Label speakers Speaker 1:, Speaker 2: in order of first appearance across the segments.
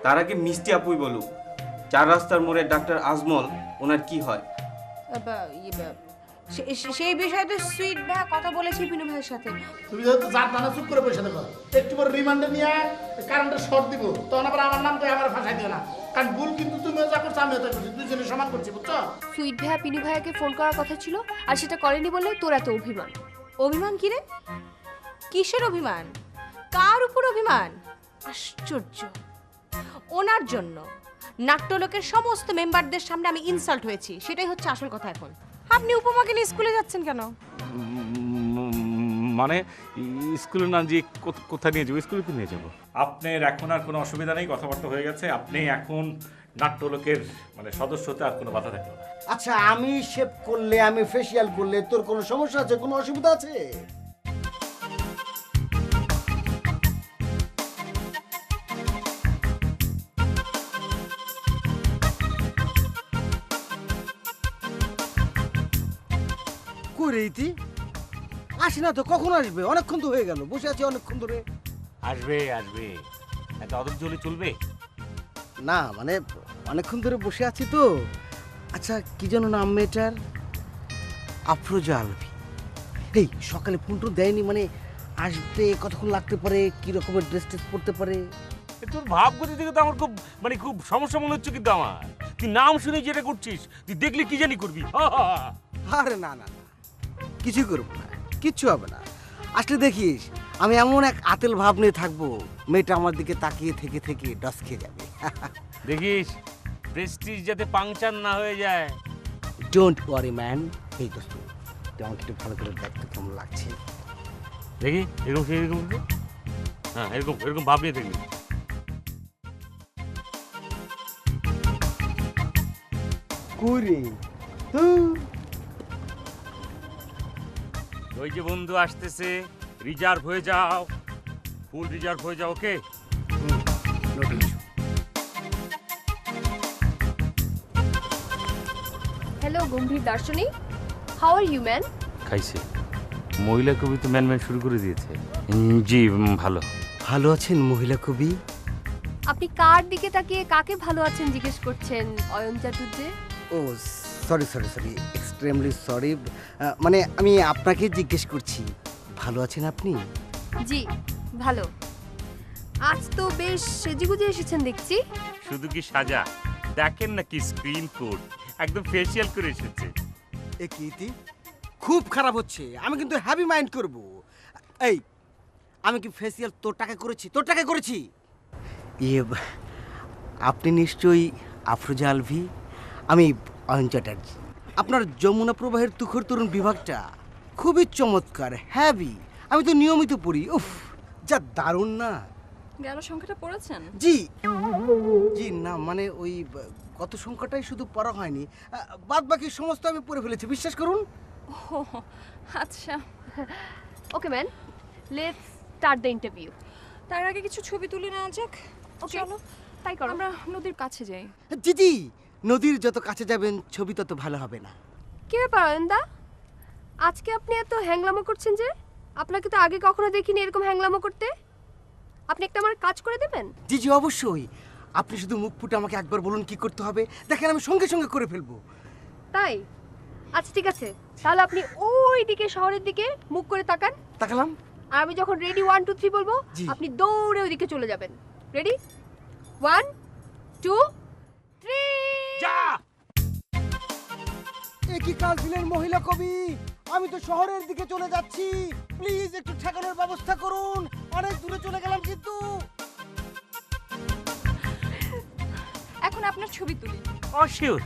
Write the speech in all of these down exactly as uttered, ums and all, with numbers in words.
Speaker 1: তার আগে মিষ্টি আপুই বলুক, চার রাস্তার মোড়ে ডাক্তার আজমল ওনার কি হয়?
Speaker 2: সেই বিষয়ে তো সুইট ভাই কথা বলেছি পিনু ভাইয়ের সাথে।
Speaker 3: তুমি যেহেতু যার নানা চুপ করে বসে দেখো, একটু পরে রিমান্ডে নিয়ে কারেন্টের শর্ট দিব, তখন আবার আমার নাম করে আমার ফাঁসাই দিও না। কারণ ভুল কিন্তু তুমিও যা করছো আমিও তাই করছি, দুজনে সমান করছি, বুঝছো?
Speaker 4: সুইট ভাইয়া পিনু ভাইয়াকে ফোন করার কথা ছিল, আর সেটা করেনি বলে তোর এত অভিমান।
Speaker 2: অভিমান কি রে? কিসের অভিমান? কার উপর অভিমান? আশ্চর্য, ওনার জন্য নাট্যলোকের সমস্ত মেম্বারদের সামনে আমি ইনসাল্ট হয়েছি, সেটাই হচ্ছে আসল কথা। এখন আপনি উপমাকে নিয়ে স্কুলে যাচ্ছেন কেন?
Speaker 5: মানে স্কুলে না যে কোথায় নিয়ে যাবো? স্কুলে নিয়ে যাবো।
Speaker 6: আপনার এখন আর কোনো অসুবিধা নেই, কথাবার্তা হয়ে গেছে। আপনি এখন নাট্যলোকের মানে সদস্যতে আর কোনো বাধা থাকলো না।
Speaker 7: আচ্ছা, আমি শেভ করলে, আমি ফেসিয়াল করলে তোর কোনো সমস্যা আছে, কোনো অসুবিধা আছে? কই রে ইতি? আসি না তো, কখন আসবে? অনেকক্ষণ তো হয়ে গেল, বসে আছি অনেকক্ষণ ধরে।
Speaker 5: আসবে আসবে, এত অদম চলে চলবে
Speaker 7: না মানে অনেকক্ষণ ধরে বসে আছি তো। আচ্ছা, কি যেন নাম মেয়েটার? আফরোজা আলভি। এই সকালে ফোন টোন দেয়নি, মানে আসবে, কতক্ষণ লাগতে পারে, কি রকমের ড্রেস ট্রেস পরতে পারে?
Speaker 5: তোর ভাবগতি থেকে তো আমার খুব মানে খুব সমস্যা মনে হচ্ছে। কিন্তু আমার তুই নাম শুনে যেটা করছিস, তুই দেখলে কি জানি করবি।
Speaker 7: আরে না না না, কিছুই করবো না, কিচ্ছু হবে না। আসলে দেখিস, আমি এমন এক আতেল ভাব নিয়ে থাকবো, মেয়েটা আমার দিকে তাকিয়ে থেকে থেকে ডস খেয়ে যাবে।
Speaker 5: দেখিস প্রেস্টিজ যাতে পাংচার না হয়ে যায়।
Speaker 7: Don't worry man. এই দোস্ত, তুই আমাকে একটু ভালো করে দেখতে কেমন লাগছে।
Speaker 5: দেখি এরকম এরকম হ্যাঁ, এরকম এরকম ভাব নিয়ে দেখবি।
Speaker 7: কুড়ি
Speaker 5: ওই যে বন্ধু আসতেছে, রিজার্ভ হয়ে যাও, ফুল রিজার্ভ হয়ে যাও। ওকে,
Speaker 4: হ্যালো গম্ভীর দার্শনিক, হাউ আর ইউ ম্যান?
Speaker 5: খাইছে মহিলা কবি তো ম্যান ম্যান শুরু করে দিয়েছে। জি ভালো।
Speaker 7: ভালো আছেন মহিলা কবি?
Speaker 4: আপনি কার দিকে তাকিয়ে কাকে ভালো আছেন জিজ্ঞেস করছেন Ayan Chatterjee?
Speaker 7: Oh sorry sorry sorry, extremely sorry. মানে আমি আপনাকে জিজ্ঞেস করছি, ভালো আছেন আপনি?
Speaker 4: জি ভালো। আজ তো বেশ সেজেগুজে এসেছেন দেখছি।
Speaker 5: শুধু কি সাজা, দেখেন না কি স্ক্রিন কোড, একদম ফেসিয়াল করে এসেছে।
Speaker 7: এ কীর্তি, খুব খারাপ হচ্ছে, আমি কিন্তু হ্যাপি মাইন্ড করব। এই, আমি কি ফেসিয়াল তোর টাকা করেছি? তোর টাকা করেছি? ইয়ে, আপনি নিশ্চয়ই আফরোজা আলভি। আমি অয়ন চ্যাটার্জি। আপনার যমুনা প্রবাহের তুখর তরুণ বিভাগটা খুবই চমৎকার, হ্যাভি। আমি তো নিয়মিত পড়ি। উফ, যা দারুণ না!
Speaker 8: গেল সংখ্যাটা পড়েছেন?
Speaker 7: জি জি না, মানে ওই কত সংখ্যাটাই শুধু পড়া হয়নি, বাদ বাকি সমস্ত আমি পড়ে ফেলেছি, বিশ্বাস করুন।
Speaker 8: ও আচ্ছা,
Speaker 4: okay man, let's start the interview.
Speaker 8: তার আগে কিছু ছবি তুলে নেওয়া যাক।
Speaker 4: ওকে,
Speaker 8: চলো
Speaker 4: তাই করো।
Speaker 8: আমরা নদীর কাছে যাই।
Speaker 7: জি জি, নদীর যত কাছে যাবেন ছবি তত ভালো হবে না?
Speaker 4: কি ব্যাপার অয়নদা, আজকে আপনি এত হ্যাংলামো করছেন যে? আপনাকে তো আগে কখনো দেখিনি এরকম হ্যাংলামো করতে। আপনি একটা আমার কাজ করে দেবেন?
Speaker 7: জি জি অবশ্যই, আপনি শুধু মুখ ফুটে আমাকে একবার বলুন কি করতে হবে, দেখেন আমি সঙ্গে সঙ্গে করে ফেলবো।
Speaker 4: তাই? আচ্ছা ঠিক আছে, তাহলে আপনি ওই দিকে শহরের দিকে মুখ করে তাকান।
Speaker 7: তাকালাম।
Speaker 4: আর আমি যখন রেডি ওয়ান টু থ্রি বলবো,
Speaker 7: জি।
Speaker 4: আপনি দৌড়ে ওই দিকে চলে যাবেন। রেডি? One two three.
Speaker 5: যা!
Speaker 7: এ কি কাল দিলেন মহিলা কবি, আমি তো শহরের দিকে চলে যাচ্ছি, প্লিজ একটু ঠেকানোর ব্যবস্থা করুন, অনেক দূরে চলে গেলাম কিন্তু।
Speaker 8: এখন আপনার ছবি তুলি।
Speaker 5: অশিওর।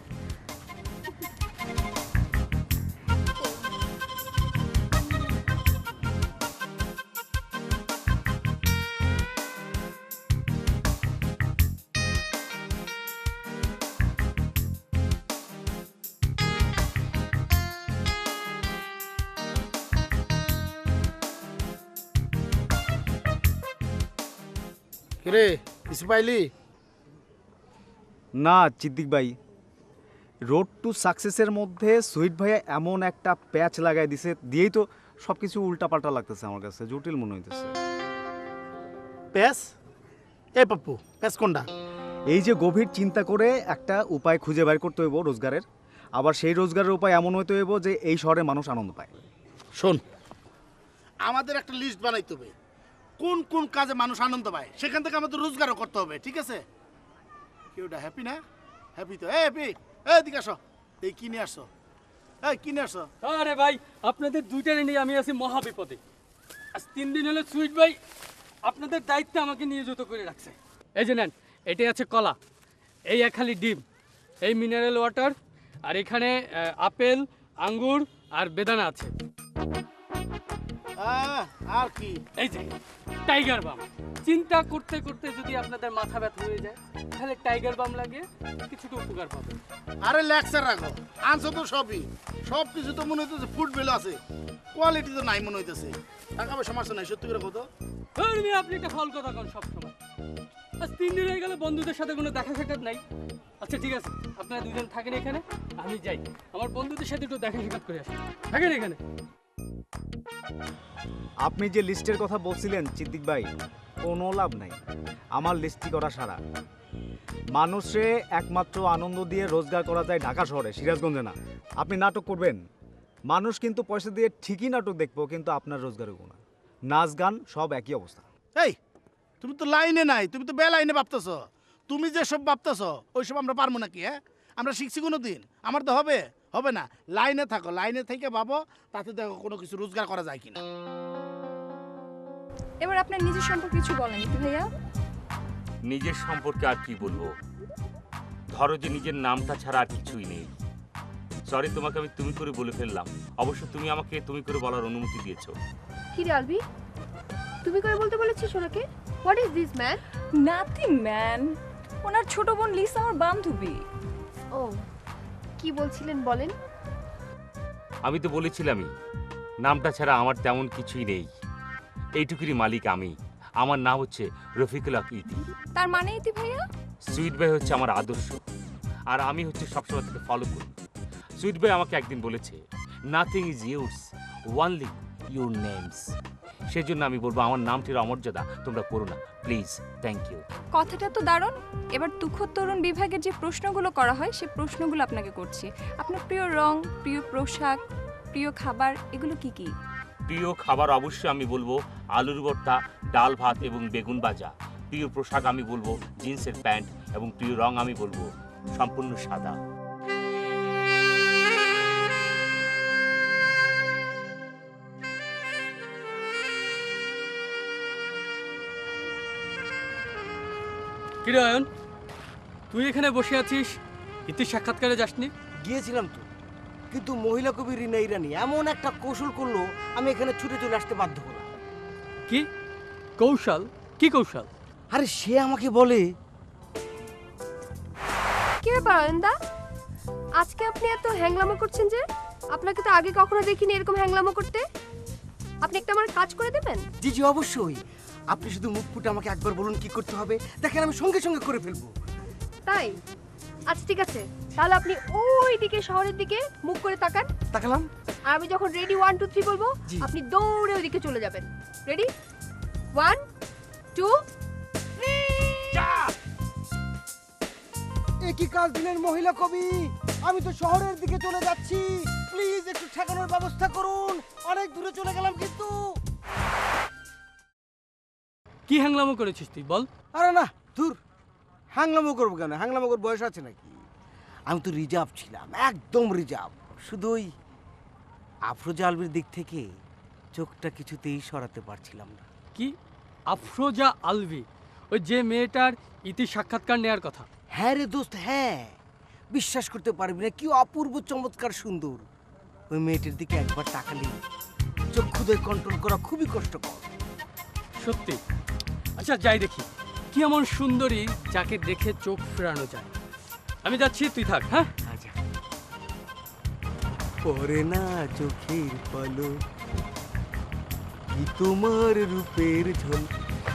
Speaker 3: কিরে কিছু পাইলি?
Speaker 9: না চিদ্দিক ভাই, রোড টু সাকসেসের মধ্যে সুইট ভাইয়া এমন একটা প্যাচ লাগাই দিছে, দিয়েই তো সব কিছু উল্টাপাল্টা লাগতেছে, আমার কাছে জটিল মনে হইতেছে।
Speaker 3: প্যাস? এই পাপ্পু পেস কোনটা?
Speaker 9: এই যে গভীর চিন্তা করে একটা উপায় খুঁজে বের করতে হইব রোজগারের, আবার সেই রোজগারের উপায় এমন হইতে হইব যে এই শহরে মানুষ আনন্দ পায়।
Speaker 3: শোন, আমাদের একটা লিস্ট বানাইতে হবে কোন কোন কাজে মানুষ আনন্দ পায়, সেখান থেকে আমাদের রোজগারও করতে হবে, ঠিক আছে? কেউটা হ্যাপি না? হ্যাপি তো? এ হ্যাপি, এই দিকে আসো, এই কিনে আসো, এই কিনে আসো।
Speaker 10: আরে ভাই, আপনাদের দুইটারে নিয়ে আমি আছি মহা বিপদে। আজ তিন দিন হলো সুইট ভাই আপনাদের দায়িত্বে আমাকে নিয়োজিত করে রাখছে। এই যে নেন, এটাই আছে কলা, এই এক খালি ডিম, এই মিনারেল ওয়াটার, আর এখানে আহ, আপেল, আঙ্গুর আর বেদানা আছে।
Speaker 3: আহ, আর কি?
Speaker 10: এই যে টাইগার বাম। চিন্তা করতে করতে যদি আপনাদের মাথা ব্যথা হয়ে যায় তাহলে টাইগার বাম লাগে, কিছুটা উপকার পাবে।
Speaker 3: আরে লেকচার রাখো, আনছো তো সবই, সব কিছু তো মনে হইতেছে ফুড ভ্যালু আছে, কোয়ালিটি তো নাই মনে হইতেছে। টাকা পয়সা সমস্যা নাই, সত্যি করে কত?
Speaker 10: আপনি একটা ফল কথা কন সবসময়। আজ তিন দিন হয়ে গেল বন্ধুদের সাথে কোনো দেখা সাক্ষাৎ নাই। আচ্ছা ঠিক আছে, আপনারা দুজন থাকেন এখানে, আমি যাই আমার বন্ধুদের সাথে একটু দেখা সাক্ষাৎ করে আসি। থাকেন এখানে।
Speaker 9: আপনি যে লিস্টের কথা বলছিলেন সিদ্দিক ভাই, কোনো লাভ নাই আমার লিস্টি করা সারা। মানুষে একমাত্র আনন্দ দিয়ে রোজগার করা যায় ঢাকা শহরে, সিরাজগঞ্জে না। আপনি নাটক করবেন, মানুষ কিন্তু পয়সা দিয়ে ঠিকই নাটক দেখবো, কিন্তু আপনার রোজগার হবো না। নাচ গান সব একই অবস্থা।
Speaker 3: এই তুমি তো লাইনে নাই, তুমি তো বেলাইনে ভাবতেছ। তুমি যে সব ভাবতেছ ওইসব আমরা পারবো নাকি? হ্যাঁ, আমরা শিখছি কোনো দিন? আমার তো হবে হবে না। লাইনে থাকো, লাইনে থেকে ভাবো, তাতে দেখো কোনো কিছু রোজগার করা যায় কিনা।
Speaker 8: এবার আপনার নিজের সম্পর্কে কিছু বলেন ইতি ভাইয়া।
Speaker 5: নিজের সম্পর্কে আর কি বলবো? ধরো যে নিজের নামটা ছাড়া আর কিছুই নেই। সরি, তোমাকে আমি তুমি করে বলে ফেললাম। অবশ্য তুমি আমাকে তুমি করে বলার অনুমতি দিয়েছো।
Speaker 4: কি রে আলবি, তুমি করে বলতে বলেছিস ওনাকে? What is this man?
Speaker 8: Nothing man, ওনার ছোট বোন লিসা আমার বান্ধবী।
Speaker 4: ও, কি বলছিলেন বলেন?
Speaker 5: আমি তো বলেছিলামই, নামটা ছাড়া আমার তেমন কিছুই নেই। এইটুকুরই মালিক আমি। আমার নাম হচ্ছে রফিকুল হক ইতি।
Speaker 8: তার মানে ইতি ভাইয়া?
Speaker 5: সুইট ভাই হচ্ছে আমার আদর্শ, আর আমি হচ্ছে সবসময় তাকে ফলো করি। সুইট ভাই আমাকে একদিন বলেছে, nothing is yours, only your names. সেজন্য আমি বলবো আমার নামটির অমর্যাদা তোমরা করো না, প্লিজ। Thank you.
Speaker 8: কথাটা তো দারুণ। এবার তুখোর তরুণ বিভাগের যে প্রশ্নগুলো করা হয় সেই প্রশ্নগুলো আপনাকে করছি। আপনার প্রিয় রং, প্রিয় পোশাক, প্রিয় খাবার এগুলো কি কি?
Speaker 5: প্রিয় খাবার অবশ্যই আমি বলবো আলুর ভর্তা, ডাল ভাত এবং বেগুন ভাজা। প্রিয় পোশাক আমি বলবো জিন্সের প্যান্ট, এবং প্রিয় রং আমি বলবো সম্পূর্ণ সাদা।
Speaker 10: কিরে অয়ন, তুই এখানে বসে আছিস, ইতির সাক্ষাৎকারে যাসনি?
Speaker 7: গিয়েছিলাম তো, কিন্তু মহিলা কবি রিনা ইরানি এমন একটা কৌশল করলো, আমি এখানে ছুটে চলে আসতে বাধ্য হলাম।
Speaker 10: কি কৌশল? কি কৌশল?
Speaker 7: আরে সে আমাকে বলে,
Speaker 4: কি ব্যাপার অয়নদা, আজকে আপনি এত হ্যাংলামো করছেন যে? আপনাকে তো আগে কখনো দেখিনি এরকম হ্যাংলামো করতে। আপনি একটা আমার কাজ করে দেবেন?
Speaker 7: জি জি অবশ্যই। আপনি শুধু মুখ ফুটে আমাকে একবার বলুন কি করতে হবে, দেখেন আমি সঙ্গে সঙ্গে করে ফেলবো।
Speaker 4: তাই? আচ্ছা ঠিক আছে, তাহলে আপনি ওই দিকে শহরের দিকে মুখ করে তাকান।
Speaker 7: তাকালাম।
Speaker 4: আর আমি যখন রেডি ওয়ান টু থ্রি বলবো,
Speaker 7: জি।
Speaker 4: আপনি দৌড়ে ওই দিকে চলে যাবেন। রেডি? One two three.
Speaker 7: একই কাজ দিলেন মহিলা কবি, আমি তো শহরের দিকে চলে যাচ্ছি, প্লিজ একটু ঠেকানোর ব্যবস্থা করুন, অনেক দূরে চলে গেলাম কিন্তু।
Speaker 10: কি হ্যাংলামো করেছিস তুই বল?
Speaker 7: আরে না দূর, হ্যাংলামো করবো কেন? হ্যাংলামো করার বয়স আছে নাকি? আমি তো রিজার্ভ ছিলাম, একদম রিজার্ভ। শুধু ওই আফরোজা আলবির দিক থেকে চোখটা কিছুতেই সরাতে পারছিলাম না।
Speaker 10: কি আফরোজা আলভি? ওই যে মেয়েটার ইতি সাক্ষাৎকার নেয়ার কথা?
Speaker 7: হ্যাঁ রে দোস্ত, হ্যাঁ, বিশ্বাস করতে পারবি না, কি অপূর্ব চমৎকার সুন্দর। ওই মেয়েটির দিকে একবার তাকালে চক্ষুদয় কন্ট্রোল করা খুবই কষ্টকর।
Speaker 10: সত্যি? আচ্ছা যাই দেখি কি এমন সুন্দরী যাকে দেখে চোখ ফেরানো যায়। আমি যাচ্ছি, তুই থাক। হ্যাঁ
Speaker 7: আচ্ছা। পরে না চোখের পলক, কি তোমার রূপের ঝলক।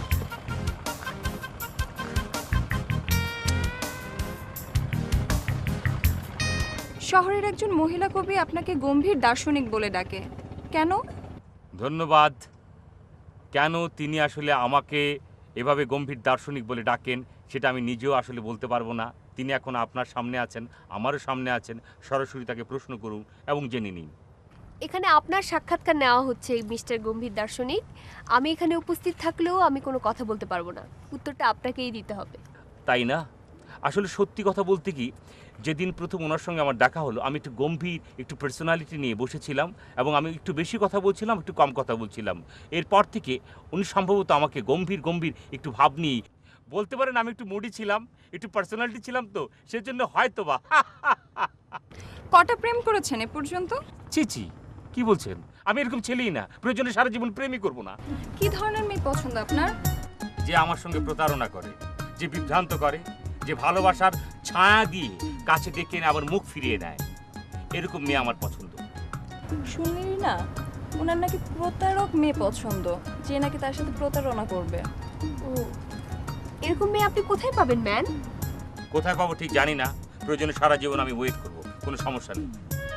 Speaker 8: শহরের একজন মহিলা কবি আপনাকে গম্ভীর দার্শনিক বলে ডাকে, কেন?
Speaker 5: ধন্যবাদ। কেন তিনি আসলে আমাকে এভাবে গম্ভীর দার্শনিক বলে ডাকেন সেটা আমি নিজেও আসলে বলতে পারবো না। তিনি এখন আপনার সামনে আছেন, আমারও সামনে আছেন, সরাসরি তাকে প্রশ্ন করুন এবং জেনে নিন।
Speaker 4: এখানে আপনার সাক্ষাৎকার নেওয়া হচ্ছে মিস্টার গম্ভীর দার্শনিক। আমি এখানে উপস্থিত থাকলেও আমি কোনো কথা বলতে পারবো না, উত্তরটা আপনাকেই দিতে হবে।
Speaker 5: তাই না? আসলে সত্যি কথা বলতে কি, যেদিন প্রথম ওনার সঙ্গে আমার দেখা হলো আমি একটু গম্ভীর একটু পার্সোনালিটি নিয়ে বসেছিলাম এবং আমি একটু বেশি কথা বলছিলাম, একটু কম কথা বলছিলাম। এরপর থেকে উনি সম্ভবত আমাকে গম্ভীর গম্ভীর একটু ভাব নিয়ে বলতে পারেন আমি একটু মুডি ছিলাম, একটু পার্সোনালিটি ছিলাম, তো সেজন্য হয়তো বা।
Speaker 8: কটা প্রেম করেছেন এ পর্যন্ত?
Speaker 5: ছি ছি, কি বলছেন? আমি এরকম ছেলেই না, প্রয়োজনে সারা জীবন প্রেমই করবো না।
Speaker 8: কি ধরনের মেয়ে পছন্দ আপনার?
Speaker 5: যে আমার সঙ্গে প্রতারণা করে, যে বিভ্রান্ত করে, যে ভালোবাসার ছায়া দিয়ে কাছে ডেকে এনে আবার মুখ ফিরিয়ে দেয়, এরকম মেয়ে আমার পছন্দ।
Speaker 8: শুনলি না, ওনার নাকি প্রতারক মেয়ে পছন্দ, যে নাকি তার সাথে প্রতারণা করবে।
Speaker 4: ও, এরকম মেয়ে আপনি কোথায় পাবেন ম্যান?
Speaker 5: কোথায় পাবো ঠিক জানি না, প্রয়োজনে সারা জীবন আমি ওয়েট করবো, কোনো সমস্যা নেই।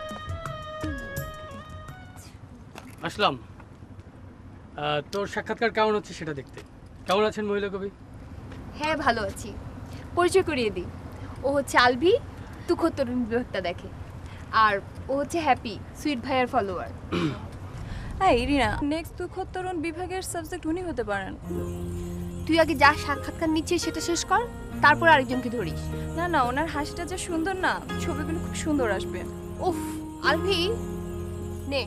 Speaker 10: আসলাম। আহ, তোর সাক্ষাৎকার কেমন হচ্ছে সেটা দেখতে। কেমন আছেন মহিলা কবি?
Speaker 4: হ্যাঁ ভালো আছি। পরিচয় করিয়ে দিই, ও হচ্ছে আলভি, তুখ তরুণ বিভাগটা দেখে। আর ও হচ্ছে হ্যাপি, সুইট ভাইয়ার ফলোয়ার।
Speaker 8: হ্যাঁ ইরিনা, নেক্সট দুঃখোত্তরণ বিভাগের সাবজেক্ট উনি হতে পারেন।
Speaker 4: তুই আগে যা সাক্ষাৎকার নিচ্ছিস সেটা শেষ কর, তারপর আরেকজনকে ধরিস।
Speaker 8: না না, ওনার হাসিটা যে সুন্দর না, ছবিগুলো খুব সুন্দর আসবে।
Speaker 4: উফ আলভি, নে।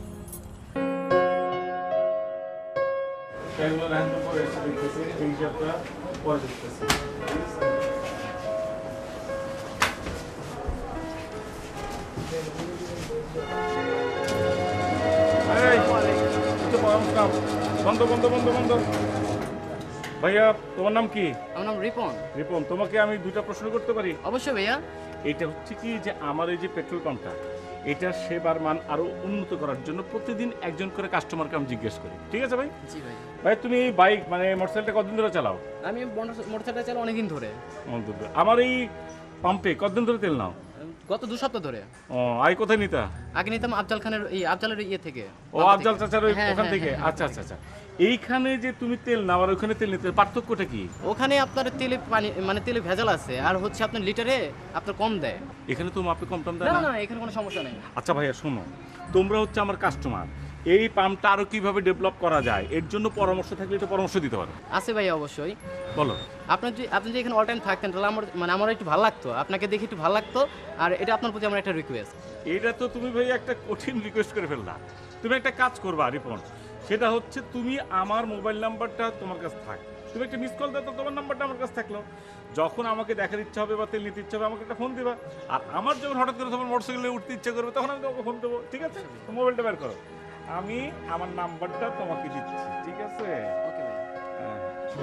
Speaker 6: বন্ধ বন্ধ বন্ধ বন্ধ। ভাইয়া তোমার নাম কি?
Speaker 11: আমার নাম রিপন।
Speaker 6: রিপন, তোমাকে আমি দুইটা প্রশ্ন করতে পারি?
Speaker 11: অবশ্যই ভাইয়া।
Speaker 6: এটা হচ্ছে কি যে আমার এই যে পেট্রোল পাম্পটা, এটার সেবার মান আরো উন্নত করার জন্য প্রতিদিন একজন করে কাস্টমারকে আমি জিজ্ঞেস করি, ঠিক আছে ভাই?
Speaker 11: জি ভাই।
Speaker 6: ভাই তুমি এই বাইক মানে মোটরসাইকেলটা কতদিন ধরে চালাও?
Speaker 11: আমি মোটরসাইকেল চালাই অনেকদিন ধরে।
Speaker 6: অন্তত আমার এই পাম্পে কতদিন ধরে তেল নাও?
Speaker 11: গত দু সপ্তাহ ধরে।
Speaker 6: ও, আই কোথায় নিতা?
Speaker 11: আগে নিতাম আফজাল খানের, এই আফজালের ইয়ে থেকে।
Speaker 6: ও আফজাল চাচার ওই
Speaker 11: হ্যাঁ,
Speaker 6: ওখান
Speaker 11: হ্যাঁ,
Speaker 6: থেকে?
Speaker 11: হ্যাঁ,
Speaker 6: আচ্ছা আচ্ছা আচ্ছা। এইখানে যে তুমি তেল নাও আর ওখানে তেল নিতে পার্থক্যটা কি?
Speaker 11: ওখানে আপনার তেলে পানি মানে তেলে ভেজাল আছে, আর হচ্ছে আপনার লিটারে আপনার কম দেয়।
Speaker 6: এখানে তো মাপে কম টম দেয়
Speaker 11: না
Speaker 6: না?
Speaker 11: না, এখানে কোনো সমস্যা নেই।
Speaker 6: আচ্ছা ভাইয়া শোনো, তোমরা হচ্ছে আমার কাস্টমার, এই পাম্পটা আরো কিভাবে ডেভেলপ করা যায় এর জন্য পরামর্শ থাকলে এটা পরামর্শ দিতে পারো।
Speaker 11: আছে ভাইয়া অবশ্যই।
Speaker 6: বলো।
Speaker 11: আপনার যদি আপনি যদি এখানে অল টাইম থাকতেন তাহলে আমার মানে আমার একটু ভালো লাগতো, আপনাকে দেখে একটু ভালো লাগতো। আর এটা আপনার প্রতি আমার একটা রিকোয়েস্ট।
Speaker 6: এটা তো তুমি ভাই একটা কঠিন রিকোয়েস্ট করে ফেললা। তুমি একটা কাজ করবা রিপন, সেটা হচ্ছে তুমি আমার মোবাইল নাম্বারটা তোমার কাছে থাক, তুমি একটা মিস কল দাও তো, তোমার নাম্বারটা আমার কাছে থাকলো। যখন আমাকে দেখার ইচ্ছা হবে বা তেল নিতে ইচ্ছা হবে আমাকে একটা ফোন দিবা, আর আমার যখন হঠাৎ করে তোমার মোটরসাইকেলে উঠতে ইচ্ছা করবে তখন আমি তোমাকে ফোন দেবো, ঠিক আছে? মোবাইলটা বের করো, আমি আমার নাম্বারটা তোমাকে দিচ্ছি, ঠিক আছে?
Speaker 11: ওকে ভাইয়া।
Speaker 6: হ্যাঁ।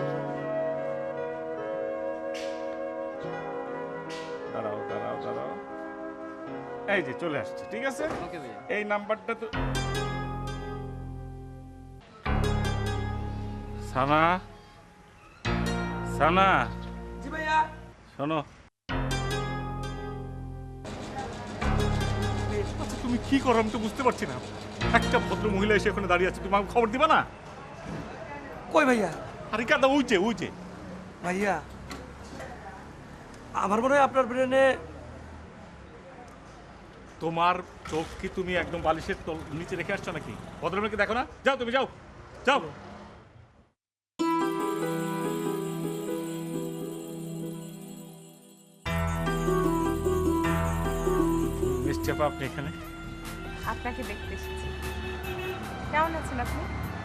Speaker 6: দাঁড়াও দাঁড়াও দাঁড়াও, এই যে চলে আসছে, ঠিক আছে?
Speaker 11: ওকে ভাইয়া।
Speaker 6: এই নাম্বারটা তো সানা, সানা।
Speaker 7: জি ভাইয়া।
Speaker 6: শোনো, আচ্ছা তুমি কি করো আমি তো বুঝতে পারছি না। একটা ভদ্র মহিলা এসে ওখানে দাঁড়িয়ে আছে, তুমি আমাকে খবর দিবা না?
Speaker 7: কই ভাইয়া?
Speaker 6: আরে কাদা উইছে উইছে।
Speaker 7: ভাইয়া আমার মনে হয় আপনার ব্রেনে
Speaker 6: তোমার চোখ কি তুমি একদম বালিশের তল নিচে রেখে আসছো নাকি? ভদ্রমেকে দেখো না? যাও তুমি যাও যাও। মিস্টার চাপা, আপনি এখানে?
Speaker 2: আপনাকে দেখতে এসেছি। কেমন আছেন আপনি?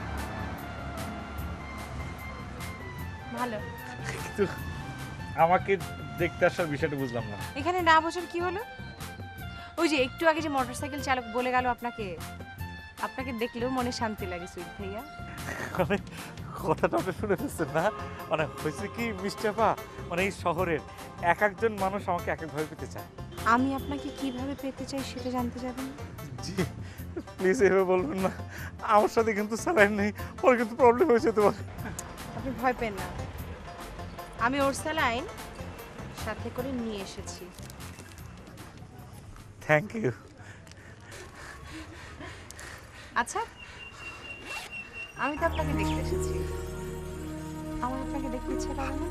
Speaker 2: ভালো।
Speaker 6: কিন্তু আমাকে দেখতে আসার বিষয়টা বুঝলাম না।
Speaker 2: এখানে না বোঝার কি হলো? ওই যে একটু আগে যে মোটরসাইকেল চালক বলে গেল আপনাকে, আপনাকে দেখলেও মনে শান্তি লাগে সুইট ভাইয়া।
Speaker 6: মানে কথাটা আপনি শুনে ফেলছেন না? মানে হয়েছে কি মিস্টার পা, মানে এই শহরের এক একজন মানুষ আমাকে এক একভাবে পেতে চায়।
Speaker 2: আমি আপনাকে কিভাবে পেতে চাই সেটা জানতে যাবেন?
Speaker 6: জি প্লিজ এভাবে বলবেন না, আমার সাথে কিন্তু স্যালাইন নেই, ওর কিন্তু প্রবলেম হয়েছে তোমার।
Speaker 2: আপনি ভয় পেন না, আমি ওর স্যালাইন সাথে করে নিয়ে এসেছি।
Speaker 6: Thank you.
Speaker 2: আচ্ছা, আমি তো আপনাকে দেখতে এসেছি, আমার আপনাকে দেখতে ইচ্ছে করে না?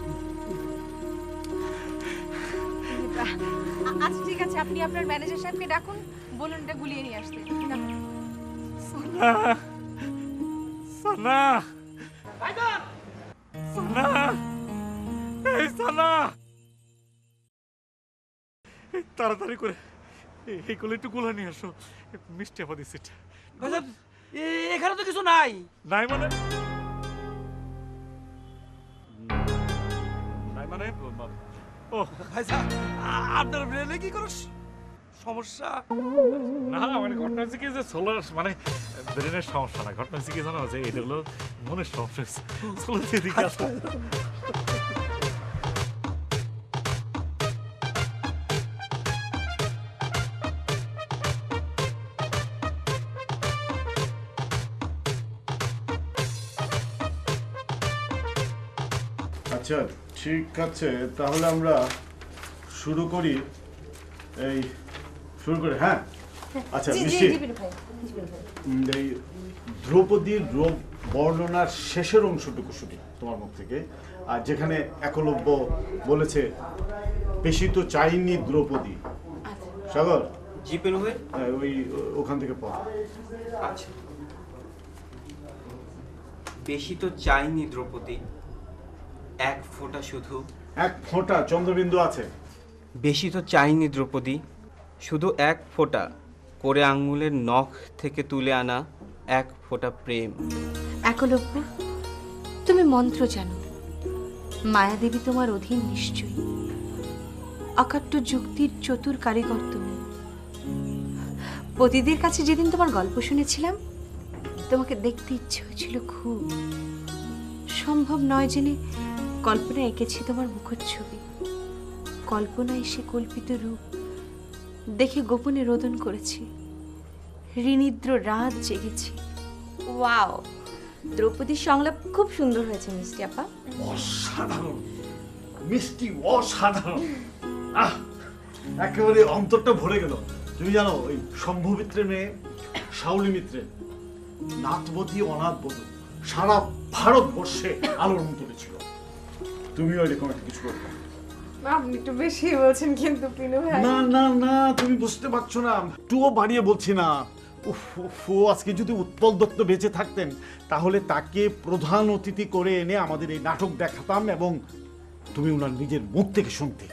Speaker 2: আ- আচ্ছা ঠিক আছে, আপনি আপনার ম্যানেজার সাহেবকে ডাকুন, বলুন এটা গুলিয়ে নিয়ে আসতে। ডাকুন।
Speaker 6: সানা সানা সানা এই সানা এই তাড়াতাড়ি করে এই- এই কোলে একটু গোলা নিয়ে আসো, মিষ্টি আপা দিচ্ছে।
Speaker 7: এখানে তো কিছু নাই।
Speaker 6: নাই মানে নাই মানে ও
Speaker 7: ভাইজান, আপনার ব্রেনে কি কোনো সমস্যা?
Speaker 6: না মানে ঘটনা হচ্ছে কি যে সোলার মানে ব্রেনের সমস্যা না, ঘটনা হচ্ছে কি জানো যে এটা হলো মনের সমস্যা। সোলার দিকে আসো।
Speaker 3: আচ্ছা ঠিক আছে, তাহলে আমরা শুরু করি। এই শুরু করি, হ্যাঁ। আচ্ছা মিষ্টি, উম, এই দ্রৌপদীর রূপ বর্ণনার শেষের অংশটুকু শুনি তোমার মুখ থেকে, আর যেখানে একলব্য বলেছে বেশি তো চাইনি দ্রৌপদী। সাগর,
Speaker 1: জি পেরু ভাই।
Speaker 3: হ্যাঁ, ওই ওখান থেকে পড়।
Speaker 1: আচ্ছা, বেশি তো চাইনি দ্রৌপদী, এক ফোঁটা শুধু।
Speaker 3: এক ফোঁটা চন্দ্রবিন্দু আছে।
Speaker 1: বেশি তো চাইনি দ্রৌপদী, শুধু এক ফোঁটা করে আঙ্গুলের নখ থেকে তুলে আনা এক ফোঁটা প্রেম।
Speaker 2: একলব্য, তুমি মন্ত্র জানো, মায়াদেবী তোমার অধীন নিশ্চয়ই। অকাট্য যুক্তির চতুর কারিগর তুমি। পতিদের কাছে যেদিন তোমার গল্প শুনেছিলাম, তোমাকে দেখতে ইচ্ছে হয়েছিল খুব। সম্ভব নয় জেনে কল্পনা এঁকেছি তোমার মুখের ছবি। কল্পনায় সে কল্পিত রূপ দেখে গোপনে রোদন করেছি। ঋণীদ্র রাত জেগেছি।
Speaker 12: ওয়াও, দ্রৌপদীর সংলাপ খুব সুন্দর হয়েছে মিষ্টি আপা।
Speaker 3: অসাধারণ মিষ্টি, অসাধারণ। আহ, একেবারে অন্তরটা ভরে গেল। তুমি জানো ওই শম্ভু মিত্রের মেয়ে শাওলি মিত্রের নাথবতী অনাথবধূ সারা ভারতবর্ষে আলোড়ন তুলেছিল। তুমিও এরকম একটা কিছু করবে।
Speaker 2: আপনি একটু বেশি বলছেন কিন্তু পিনু ভাই।
Speaker 3: না না না, তুমি বুঝতে পারছো না, একটুও বাড়িয়ে বলছি না। উফ উফ, ও আজকে যদি উৎপল দত্ত বেঁচে থাকতেন তাহলে তাকে প্রধান অতিথি করে এনে আমাদের এই নাটক দেখাতাম এবং তুমি ওনার নিজের মুখ থেকে শুনতে।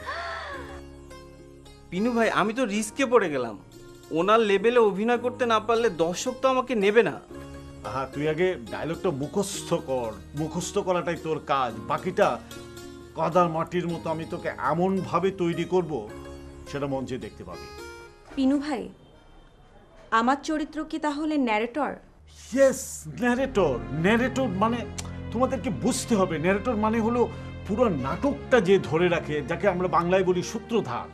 Speaker 1: পিনু ভাই, আমি তো রিস্কে পড়ে গেলাম। ওনার লেভেলে অভিনয় করতে না পারলে দর্শক তো আমাকে নেবে না।
Speaker 3: আহা, তুই আগে ডায়লগটা মুখস্থ কর। মুখস্থ করাটাই তোর কাজ, বাকিটা কাদার মাটির মতো আমি তোকে এমন ভাবে তৈরি করব সেটা মঞ্চে দেখতে পাবি।
Speaker 12: পিনু ভাই, আমার চরিত্র কি তাহলে ন্যারেটর?
Speaker 3: Yes, narrator. ন্যারেটর মানে তোমাদেরকে বুঝতে হবে, ন্যারেটর মানে হলো পুরো নাটকটা যে ধরে রাখে, যাকে আমরা বাংলায় বলি সূত্রধার।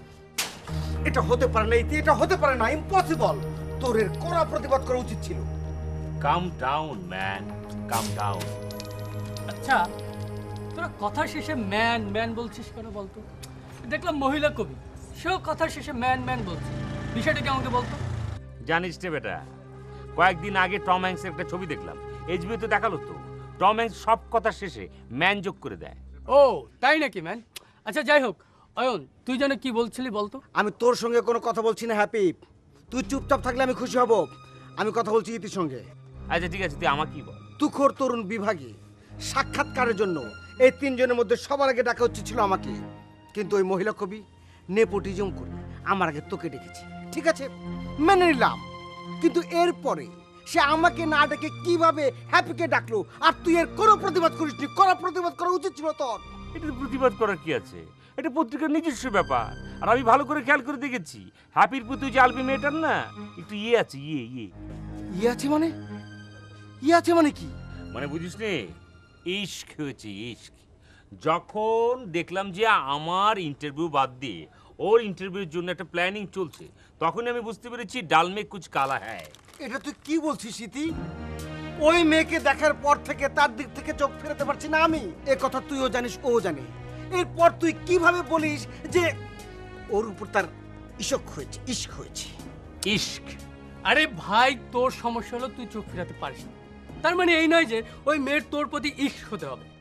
Speaker 7: এটা হতে পারে না, এটা হতে পারে না, ইম্পসিবল। তোর এর কড়া প্রতিবাদ করা উচিত ছিল।
Speaker 5: Calm down man, calm down.
Speaker 10: আচ্ছা, তোরা কথার শেষে ম্যান ম্যান বলছিস কেন বলতো? দেখলাম মহিলা কবি, সেও কথার শেষে ম্যান ম্যান বলছে, বিষয়টা কি আমাকে বলতো?
Speaker 5: জানিস রে বেটা, কয়েকদিন আগে টম হ্যাঙ্কসের একটা ছবি দেখলাম, এইচবিও তো দেখালো তো। টম হ্যাঙ্কস সব কথার শেষে ম্যান যোগ করে দেয়।
Speaker 10: ও তাই নাকি ম্যান? আচ্ছা যাই হোক, অয়ন তুই যেন কি বলছিলি বলতো?
Speaker 7: আমি তোর সঙ্গে কোনো কথা বলছি না হ্যাপি। তুই চুপচাপ থাকলে আমি খুশি হব। আমি কথা বলছি ইতির সঙ্গে।
Speaker 5: আচ্ছা ঠিক আছে, তুই আমাকে কি বল।
Speaker 7: তুখোর তরুণ বিভাগে সাক্ষাৎকারের জন্য এই তিনজনের মধ্যে সবার আগে ডাকা উচিত ছিল আমাকে, কিন্তু ওই মহিলা কবি নেপোটিজম করে আমার আগে তোকে ডেকেছি। ঠিক আছে, মেনে নিলাম, কিন্তু এরপরে সে আমাকে না ডেকে কিভাবে হ্যাপিকে ডাকলো, আর তুই এর কোনো প্রতিবাদ করিসনি। করা প্রতিবাদ করা উচিত ছিল তোর।
Speaker 5: এটা প্রতিবাদ করার কি আছে? এটা পত্রিকার নিজস্ব ব্যাপার। আর আমি ভালো করে খেয়াল করে দেখেছি, হ্যাপির প্রতি যে আলবি মেয়েটার না একটু ইয়ে আছে, ইয়ে ইয়ে
Speaker 7: ইয়ে আছে মানে? ইয়ে আছে মানে কি?
Speaker 5: মানে বুঝিস নে, ইশক হয়েছে ইশক। যখন দেখলাম যে আমার ইন্টারভিউ বাদ দিয়ে ওর ইন্টারভিউর জন্য একটা প্ল্যানিং চলছে, তখন আমি বুঝতে পেরেছি ডাল মে কুছ কালা হ্যায়।
Speaker 7: এটা তুই কি বলছিস ইতি? ওই মেয়েকে দেখার পর থেকে তার দিক থেকে চোখ ফেরাতে পারছি না আমি। এ কথা তুইও জানিস, ও জানে। এরপর তুই কিভাবে বলিস যে ওর উপর তার ইশক হয়েছে, ইশক হয়েছে?
Speaker 5: ইশক?
Speaker 10: আরে ভাই, তোর সমস্যা হলো তুই চোখ ফেরাতে পারিস না। তার মানে এই নয় যে ওই মেয়ের তোর প্রতি ইশক হতে হবে।